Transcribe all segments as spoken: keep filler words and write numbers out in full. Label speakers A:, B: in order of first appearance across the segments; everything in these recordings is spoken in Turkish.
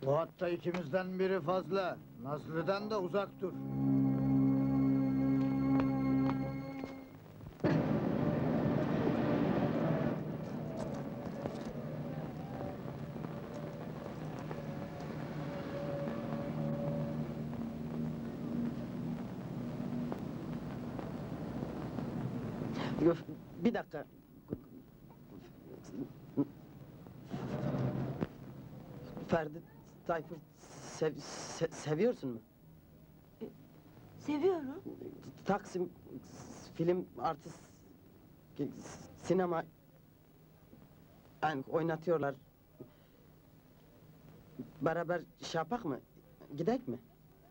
A: Bu hatta ikimizden biri fazla. Nazlı'dan da uzak dur.
B: Yok, bir dakika. Ferdi Tayfur sev, se- seviyorsun mu?
C: Seviyorum.
B: Taksim film artist sinema yani oynatıyorlar. Beraber şey yapak mı? Gidek mi?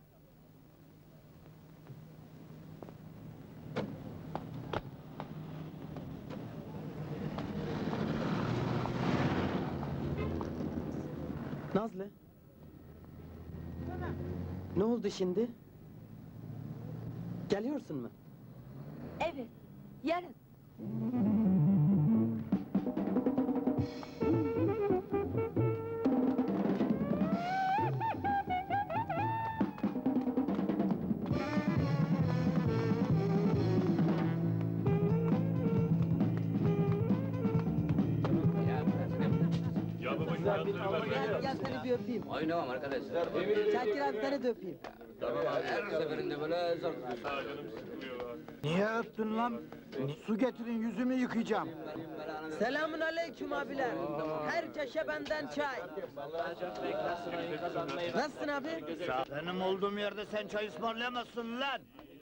B: Nazlı. Ne oldu şimdi? Geliyorsun mu?
C: Evet, yarın.
B: Gel, gel seni bir öpeyim.
D: Oynamam arkadaşlar.
B: Şakir abi seni de öpeyim.
D: Tamam abi, her seferinde böyle zor.
A: Niye öptün lan? Su getirin, yüzümü yıkayacağım.
B: Selamun aleyküm abiler. Herkese benden çay. Nasılsın abi?
A: Benim olduğum yerde sen çay ısmarlayamazsın lan!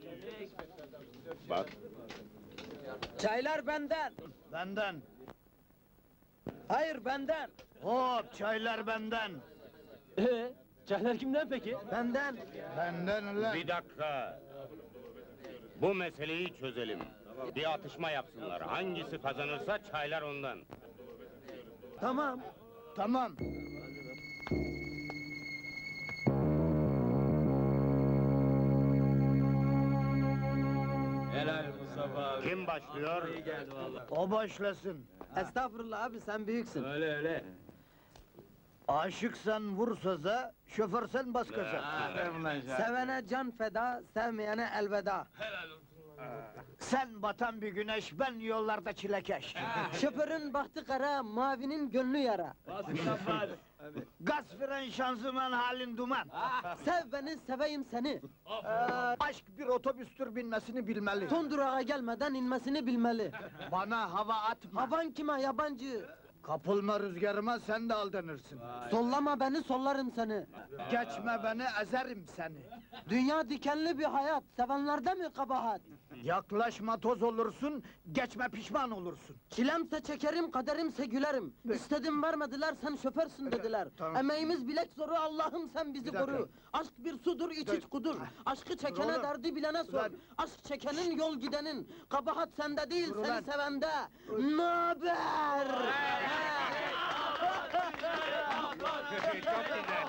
E: Bak,
B: Çaylar benden.
A: Benden.
B: Hayır benden.
A: Hop, çaylar benden.
B: Ee, çaylar kimden peki? Benden.
A: Benden lan.
E: bir dakika. Bu meseleyi çözelim. Bir atışma yapsınlar. Hangisi kazanırsa çaylar ondan.
B: Tamam.
A: Tamam.
D: Helal Mustafa abi.
E: Kim başlıyor?
D: İyi geldi vallahi.
A: O başlasın.
B: Estağfurullah abi sen büyüksün.
D: Öyle öyle.
A: Aşıksan vur söze, şoförsen bas gaza.
B: Sevene can feda, sevmeyene elveda.
A: Sen batan bir güneş, ben yollarda çilekeş.
B: Şoförün bahtı kara, mavinin gönlü yara.
A: Gaz fren şanzıman halin duman.
B: Sev beni, seveyim seni.
A: Ee, aşk bir otobüstür, binmesini bilmeli.
B: Son durağa gelmeden inmesini bilmeli.
A: Bana hava atma.
B: Havan kime yabancı?
A: Kapılma rüzgarıma, sen de aldanırsın.
B: Sollama beni, sollarım seni.
A: Geçme beni, ezerim seni.
B: Dünya dikenli bir hayat, sevenlerde mi kabahat?
A: Yaklaşma, toz olursun, geçme pişman olursun.
B: Çilemse çekerim, kaderimse gülerim. İstedim vermediler, sen şoförsün dediler.
A: Tamam.
B: Emeğimiz bilek zoru, Allah'ım sen bizi
A: Bir dakika.
B: koru. Aşk bir sudur, iç iç kudur. Aşkı çekene
A: oğlum.
B: derdi bilene sor.
A: Ulan.
B: Aşk çekenin yol gidenin. Kabahat sende değil,
A: Dur
B: seni
A: ulan.
B: sevende. Naber?
E: Çok güzel.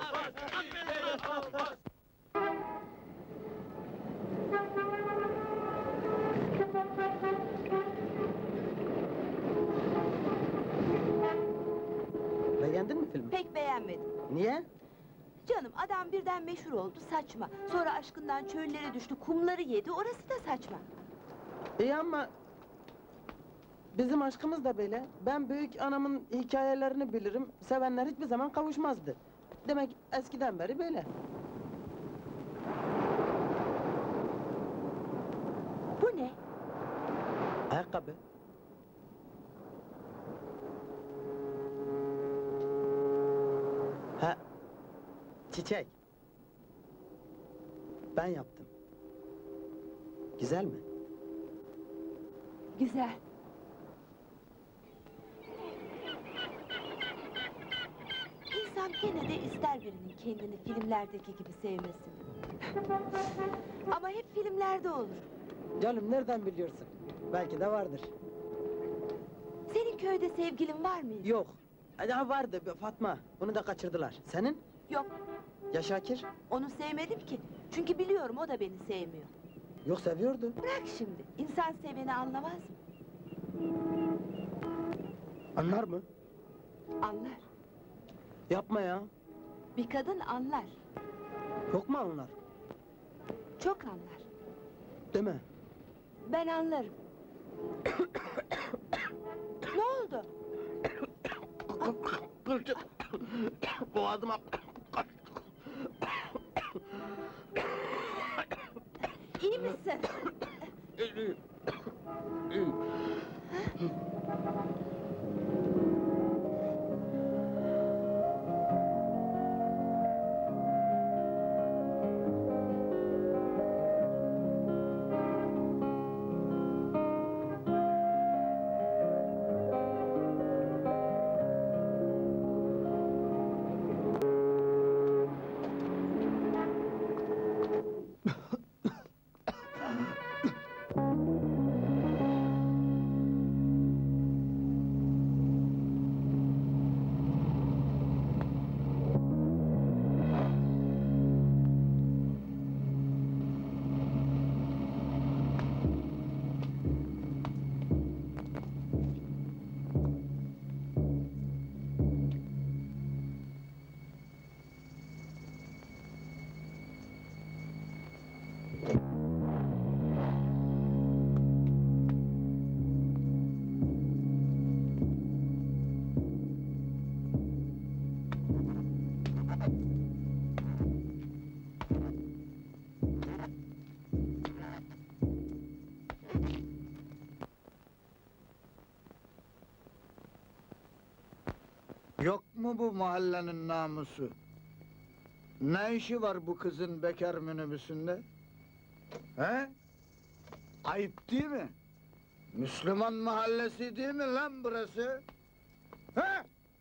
B: Beğendin mi filmi?
C: Pek beğenmedim.
B: Niye?
C: Canım, adam birden meşhur oldu, saçma. Sonra aşkından çöllere düştü, kumları yedi, orası da saçma.
B: İyi ama... Bizim aşkımız da böyle. Ben büyük anamın hikayelerini bilirim. Sevenler hiçbir zaman kavuşmazdı. Demek eskiden beri böyle.
C: Bu ne?
B: Ayakkabı. Ha, çiçek. Ben yaptım. Güzel mi?
C: Güzel. İnsan gene de ister birinin kendini filmlerdeki gibi sevmesini. Ama hep filmlerde olur.
B: Canım nereden biliyorsun? Belki de vardır.
C: Senin köyde sevgilin var mıydı?
B: Yok. Ha vardı bir Fatma. Onu da kaçırdılar. Senin?
C: Yok,
B: Ya Şakir?
C: onu sevmedim ki. Çünkü biliyorum o da beni sevmiyor.
B: Yok seviyordu.
C: Bırak şimdi, insan seveni anlamaz mı?
B: Anlar mı?
C: Anlar.
B: Yapma ya.
C: Bir kadın anlar,
B: Çok mu anlar?
C: çok anlar.
B: Değil mi?
C: Ben anlarım. Ne oldu?
A: Boğazıma...
C: İyi misin?
A: Yok mu bu mahallenin namusu? Ne işi var bu kızın bekar minibüsünde? He? Ayıp değil mi? Müslüman mahallesi değil mi lan burası? He?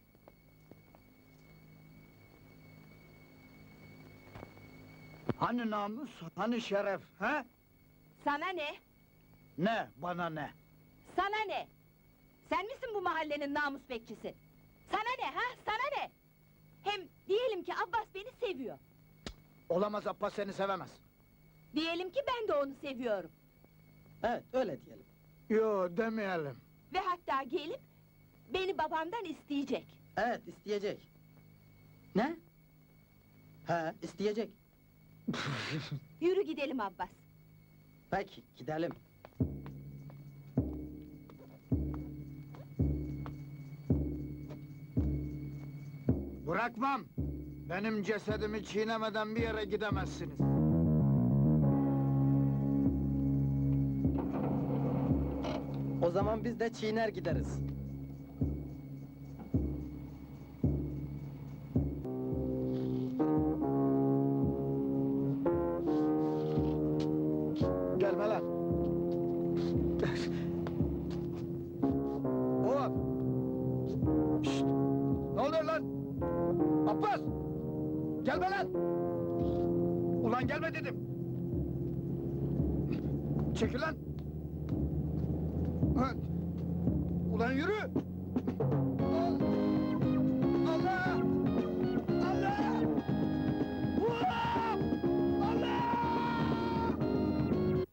A: Hani namus, hani şeref, he?
C: Sana ne?
A: Ne, bana ne?
C: Sana ne? Sen misin bu mahallenin namus bekçisi? Sana ne ha? Sana ne? Hem diyelim ki Abbas beni seviyor.
A: Olamaz, Abbas seni sevemez.
C: Diyelim ki ben de onu seviyorum.
B: Evet, öyle diyelim.
A: Yo, demeyelim.
C: Ve hatta gelip beni babamdan isteyecek.
B: Evet, isteyecek. Ne? He, isteyecek.
C: Yürü gidelim Abbas.
B: Peki, gidelim.
A: Bırakmam! Benim cesedimi çiğnemeden bir yere gidemezsiniz.
B: O zaman biz de çiğner gideriz.
A: Gelme lan! Oğlum! Şşt! Ne oluyor lan? Abbas! Gelme lan! Ulan gelme dedim! Çekil lan! Ha! Ulan yürü!